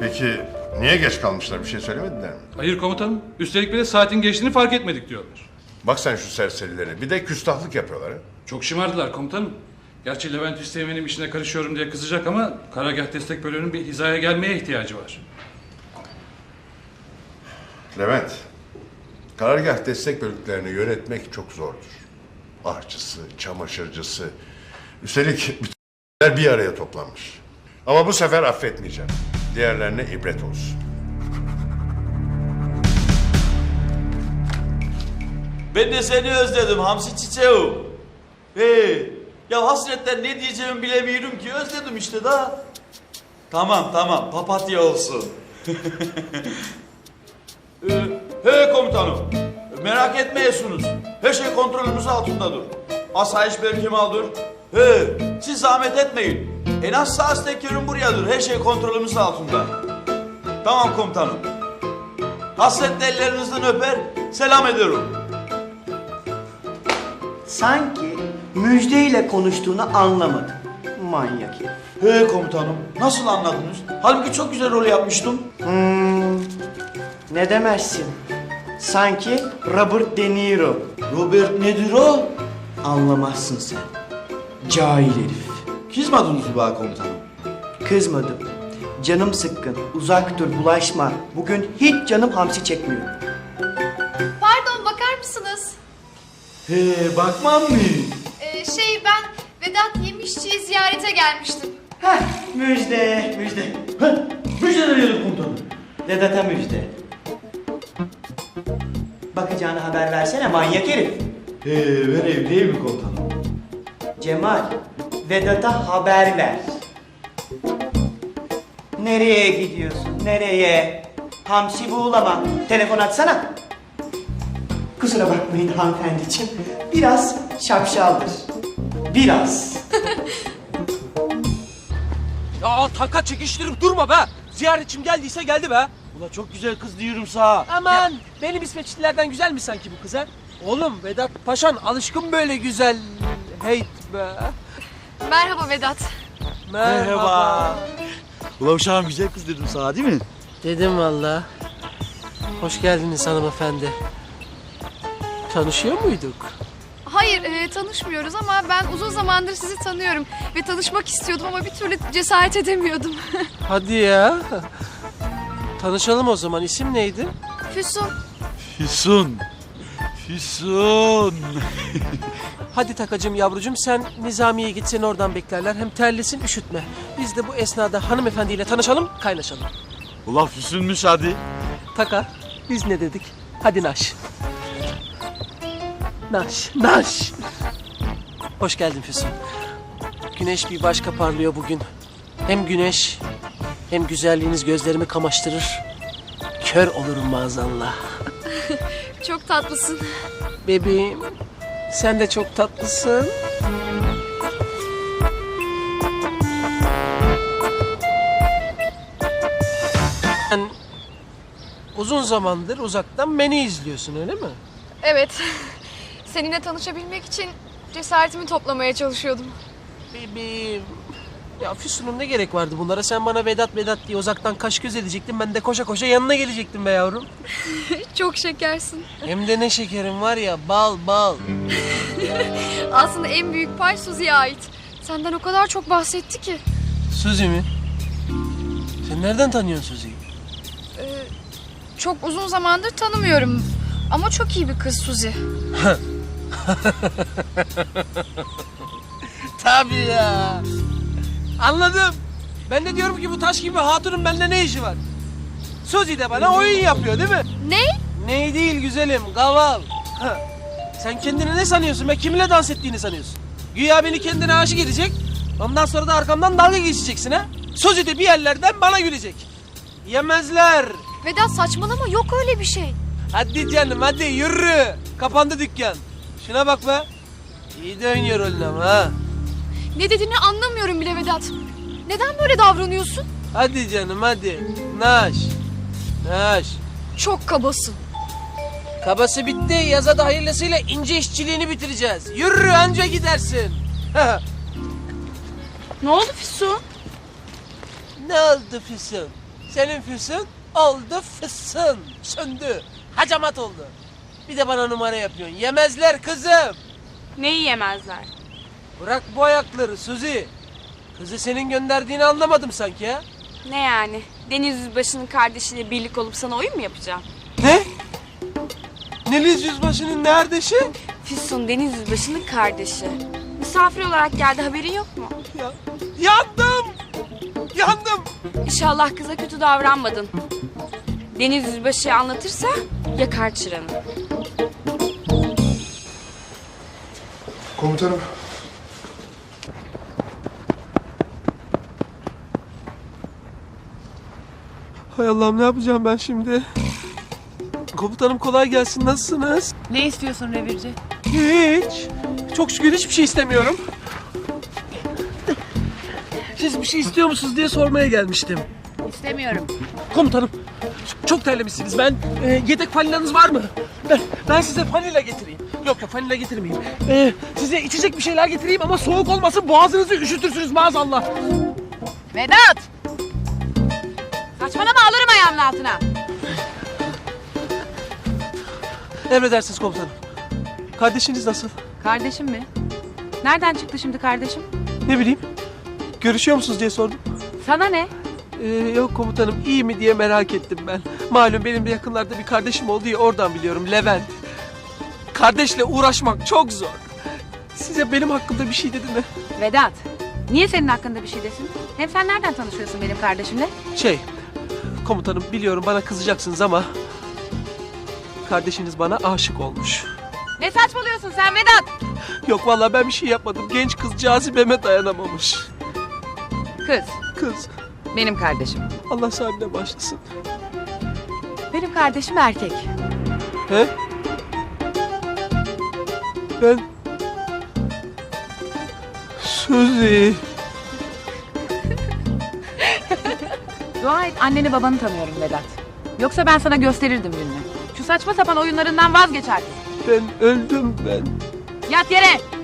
Peki niye geç kalmışlar, bir şey söylemediler mi? Hayır komutanım. Üstelik bir de saatin geçtiğini fark etmedik diyorlar. Bak sen şu serserilere, bir de küstahlık yapıyorlar ha. Çok şımardılar komutanım. Gerçi Levent Üsteğmen'in işine karışıyorum diye kızacak ama Karargah Destek Bölüğü'nün bir hizaya gelmeye ihtiyacı var. Levent, karargah destek bölüklerini yönetmek çok zordur. Ahçısı, çamaşırcısı, üstelik bütün bir araya toplanmış. Ama bu sefer affetmeyeceğim. Diğerlerine ibret olsun. Ben de seni özledim Hamsi çiçeğim. Ya hasretten ne diyeceğimi bilemiyorum ki, özledim işte da. Tamam papatya olsun. Komutanım, merak etmeyesunuz. Her şey kontrolümüz altındadır. Asayiş Berkemal'dır. Siz zahmet etmeyin. En az saat tekerim buradadır. Her şey kontrolümüz altında. Tamam komutanım. Hasretle ellerinizden öper, selam ederim. Sanki müjdeyle konuştuğunu anlamadım. Manyak herif. Komutanım, nasıl anladınız? Halbuki çok güzel rol yapmıştım. Ne demezsin? Sanki Robert De Niro. Robert nedir o? Anlamazsın sen. Cahil herif. Kızmadınız mı bana komutanım? Kızmadım. Canım sıkkın. Uzak dur, bulaşma. Bugün hiç canım hamsi çekmiyor. Pardon, bakar mısınız? Bakmam mı? Ben Vedat Yemişçi'yi ziyarete gelmiştim. Heh, müjde, müjde. Müjde veriyorum komutanım. Vedat'a müjde. Bakacağına haber versene manyak herif. Vereyim değil mi komutanım? Cemal, Vedat'a haber ver. Nereye gidiyorsun, nereye? Hamsi buğulama, telefon açsana. Kusura bakmayın hanımefendiciğim, biraz şapşaldır. Biraz. Ya taka çekiştirip durma be. Ziyaretçim geldiyse geldi be. Ula çok güzel kız diyorum sana. Aman benim İsveçlilerden güzel mi sanki bu kız ha? Oğlum Vedat Paşan alışkın böyle güzel. Heyt be. Merhaba Vedat. Merhaba. Ula uşağım güzel kız dedim sana değil mi? Dedim valla. Hoş geldiniz hanımefendi. Tanışıyor muyduk? Hayır, tanışmıyoruz ama ben uzun zamandır sizi tanıyorum. Ve tanışmak istiyordum ama bir türlü cesaret edemiyordum. Hadi ya. Tanışalım o zaman. İsim neydi? Füsun. Füsun. Hadi takacım yavrucum sen Nizamiye'ye git seni oradan beklerler. Hem terlesin üşütme. Biz de bu esnada hanımefendiyle tanışalım kaynaşalım. Ula Füsun'muş hadi. Taka biz ne dedik? Hadi naş. Naş. Hoş geldin Füsun. Güneş bir başka parlıyor bugün. Hem güneş hem güzelliğiniz gözlerimi kamaştırır. Kör olurum maazallah. Çok tatlısın. Bebeğim sen de çok tatlısın. Sen uzun zamandır uzaktan beni izliyorsun öyle mi? Evet. Seninle tanışabilmek için cesaretimi toplamaya çalışıyordum. Bebeğim. Ya Füsun'um ne gerek vardı bunlara? Sen bana Vedat diye uzaktan kaş göz edecektin. Ben de koşa koşa yanına gelecektim be yavrum. Çok şekersin. Hem de ne şekerim var ya bal. Aslında en büyük pay Suzi'ye ait. Senden o kadar çok bahsetti ki. Suzi mi? Sen nereden tanıyorsun Suzi'yi? Çok uzun zamandır tanımıyorum. Ama çok iyi bir kız Suzi. Tabii ya. Anladım. Ben de diyorum ki bu taş gibi hatunun bende ne işi var? Suzi de bana oyun yapıyor değil mi? Ne? Ney değil güzelim, gaval. Sen kendini ne sanıyorsun be? Kiminle dans ettiğini sanıyorsun? Güya beni kendine aşık edecek. Ondan sonra da arkamdan dalga geçeceksin ha? Suzi de bir yerlerden bana gülecek. Yemezler. Vedat saçmalama, yok öyle bir şey. Hadi canım hadi yürü. Kapandı dükkan. Şuna bak be. İyi de oynuyor rolünü ama ha. Ne dediğini anlamıyorum bile Vedat. Neden böyle davranıyorsun? Hadi canım hadi. Naş. Çok kabasın. Kabası bitti. Yaza da hayırlısıyla ince işçiliğini bitireceğiz. Yürü anca gidersin. Ne oldu Füsun? Ne oldu Füsun? Senin füsun oldu fısın. Söndü. Hacamat oldu. Bir de bana numara yapıyorsun. Yemezler kızım. Neyi yemezler? Bırak bu ayakları Suzi. Kızı senin gönderdiğini anlamadım sanki ya. Ne yani? Deniz Yüzbaşı'nın kardeşiyle birlik olup sana oyun mu yapacağım? Ne? Neliz Yüzbaşı'nın neredeşi? Füsun Deniz Yüzbaşı'nın kardeşi. Misafir olarak geldi, haberin yok mu? Ya, yandım. Yandım. İnşallah kıza kötü davranmadın. Deniz Yüzbaşı'ya anlatırsa yakar çıranı. Komutanım. Hay Allah'ım, ne yapacağım ben şimdi? Komutanım kolay gelsin, nasılsınız? Ne istiyorsun revirci? Hiç. Çok şükür hiçbir şey istemiyorum. Siz bir şey istiyor musunuz diye sormaya gelmiştim. İstemiyorum. Komutanım, çok terlemişsiniz. Yedek falinanız var mı? Ben size fanila getireyim. Yok fanila getirmeyeyim. Size içecek bir şeyler getireyim ama soğuk olmasın, boğazınızı üşütürsünüz maazallah. Vedat! Saçmalama, alırım ayağımın altına. Emredersiniz komutanım. Kardeşiniz nasıl? Kardeşim mi? Nereden çıktı şimdi kardeşim? Ne bileyim. Görüşüyor musunuz diye sordum. Sana ne? Yok komutanım, iyi mi diye merak ettim ben. Malum benim de yakınlarda bir kardeşim oldu ya, oradan biliyorum, Levent. Kardeşle uğraşmak çok zor. Size benim hakkımda bir şey dedi mi? Vedat, niye senin hakkında bir şey desin? Hem sen nereden tanışıyorsun benim kardeşimle? Komutanım biliyorum bana kızacaksınız ama... Kardeşiniz bana aşık olmuş. Ne saçmalıyorsun sen Vedat? Yok vallahi ben bir şey yapmadım. Genç kız cazibeme dayanamamış. Kız. Benim kardeşim. Allah sahibine başlasın. Benim kardeşim erkek. He? Ben... Suzi. Dua et anneni babanı tanıyorum Vedat. Yoksa ben sana gösterirdim gününü. Şu saçma sapan oyunlarından vazgeç artık. Ben öldüm ben. Yat yere.